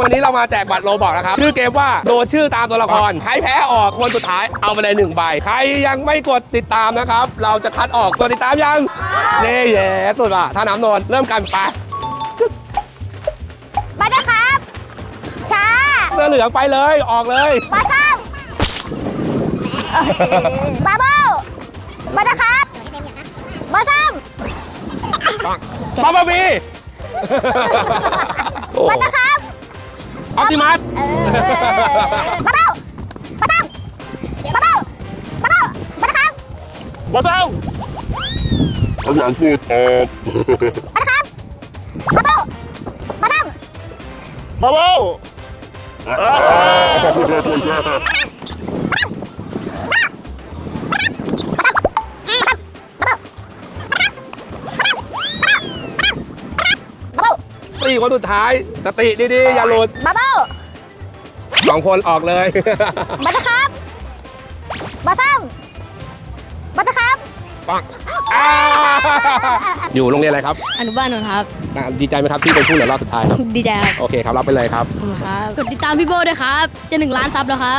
วันนี้เรามาแจกบัตรโลบอกนะครับชื่อเกมว่าโดนชื่อตามตัวละครใครแพ้ออกคนสุดท้ายเอาไปเลย1ใบใครยังไม่กดติดตามนะครับเราจะคัดออกกดติดตามยังเน่แย่สุดว่ะถ้าน้ำนนเริ่มกันไปบัตรครับช้าเสื้อเหลืองไปเลยออกเลยบัตรครับบาโบบัตรครับบัตรครับป๊อปปี้บัตรครับออปติมัสบัตรบัตรบัตรบัตรบัตรครับบัตเต้าภาษาอังกฤษออกบัตรครับบัตรบัตรบับเบิ้ล ตีคนสุดท้ายสติดีๆอย่าหลุดบับเบิ้ล 2 คนออกเลยบัตรครับบัตรบัตรครับปังอยู่โรงเรียนอะไรครับอนุบาลนนท์ครับดีใจไหมครับที่เป็นผู้เหลือรอบสุดท้ายครับดีใจครับโอเคครับรับไปเลยครับขอบคุณครับ กดติดตามพี่โบด้วยครับ จะ1 ล้านซับแล้วครับ